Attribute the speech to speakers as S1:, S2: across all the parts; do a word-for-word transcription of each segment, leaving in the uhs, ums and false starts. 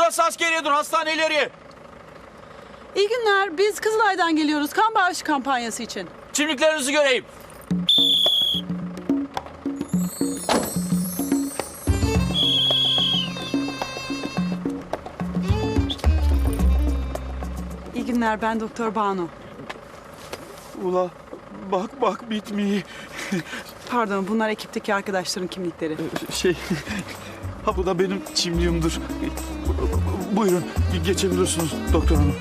S1: Burası askeriye, dur hastane ileriye.
S2: İyi günler. Biz Kızılay'dan geliyoruz. Kan bağışı kampanyası için.
S1: Kimliklerinizi göreyim.
S2: İyi günler. Ben Doktor Banu.
S1: Ula bak bak bitmiyor.
S2: Pardon, bunlar ekipteki arkadaşların kimlikleri.
S1: Şey, ha bu da benim çimliğimdir. Buyurun, geçebilirsiniz doktor hanım.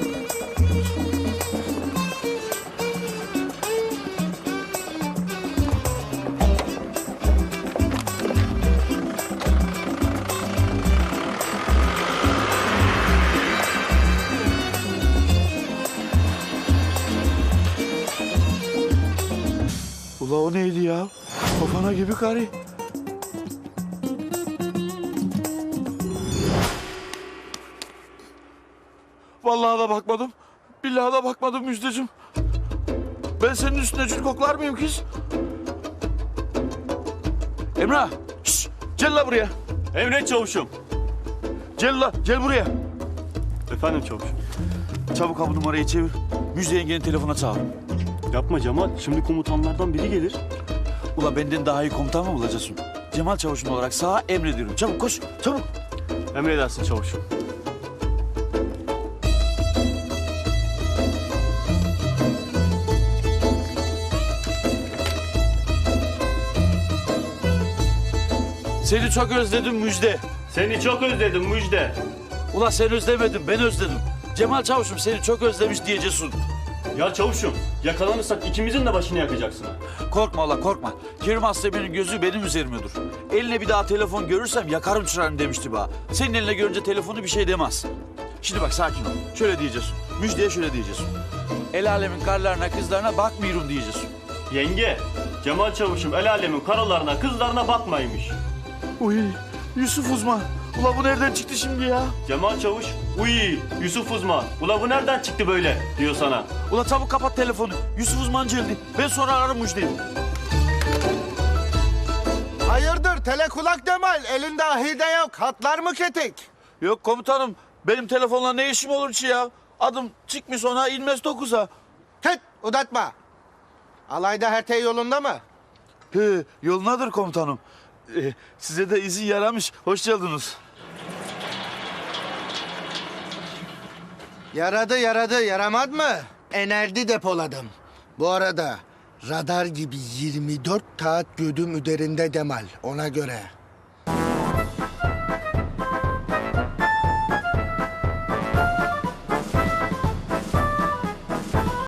S1: Ula o neydi ya? Kafana gibi karı. Vallahi da bakmadım. Billahi da bakmadım Müjdeciğim. Ben senin üstüne cül koklar mıyım kız? Emrah, şşş, gel la buraya.
S3: Emret çavuşum.
S1: Gel la, gel buraya.
S3: Efendim çavuşum.
S1: Çabuk ha bu numarayı çevir. Müjde yengenin telefona çağır.
S3: Yapma Cemal. Şimdi komutanlardan biri gelir.
S1: Ula benden daha iyi komutan mı bulacaksın? Cemal Çavuş'un olarak sağa emrediyorum. Çabuk koş, çabuk.
S3: Emredersin çavuşum.
S1: Seni çok özledim Müjde.
S3: Seni çok özledim Müjde.
S1: Ula sen özlemedin, ben özledim. Cemal Çavuş'um seni çok özlemiş diyeceksin.
S3: Ya çavuşum, yakalanırsak ikimizin de başını yakacaksın.
S1: Korkma ula korkma. Kerim Aslemen'in gözü benim üzerime dur. Eline bir daha telefon görürsem yakarım çırağını demişti bana. Senin eline görünce telefonu bir şey demez. Şimdi bak sakin ol. Şöyle diyeceğiz. Müjdeye şöyle diyeceğiz. El alemin karlarına kızlarına bakmıyorum diyeceğiz.
S3: Yenge, Cemal çavuşum el alemin karılarına kızlarına bakmaymış.
S1: Uy Yusuf uzman. Ula bu nereden çıktı şimdi ya?
S3: Cemal çavuş, uy Yusuf uzman. Ula bu nereden çıktı böyle diyor sana.
S1: Ula çabuk kapat telefonu. Yusuf uzman geldi. Ben sonra ararım Müjde'yi.
S4: Hayırdır telekulak Cemal? Elinde ahide yok. Hatlar mı ketik?
S1: Yok komutanım. Benim telefonla ne işim olur ki ya? Adım çıkmış ona inmez dokuza.
S4: Tıt uzatma. Alayda her şey yolunda mı?
S1: He, yolunadır komutanım. Ee, size de izin yaramış. Hoş geldiniz.
S4: Yaradı yaradı yaramaz mı? Enerji depoladım. Bu arada radar gibi yirmi dört saat gödüm üzerinde Cemal ona göre.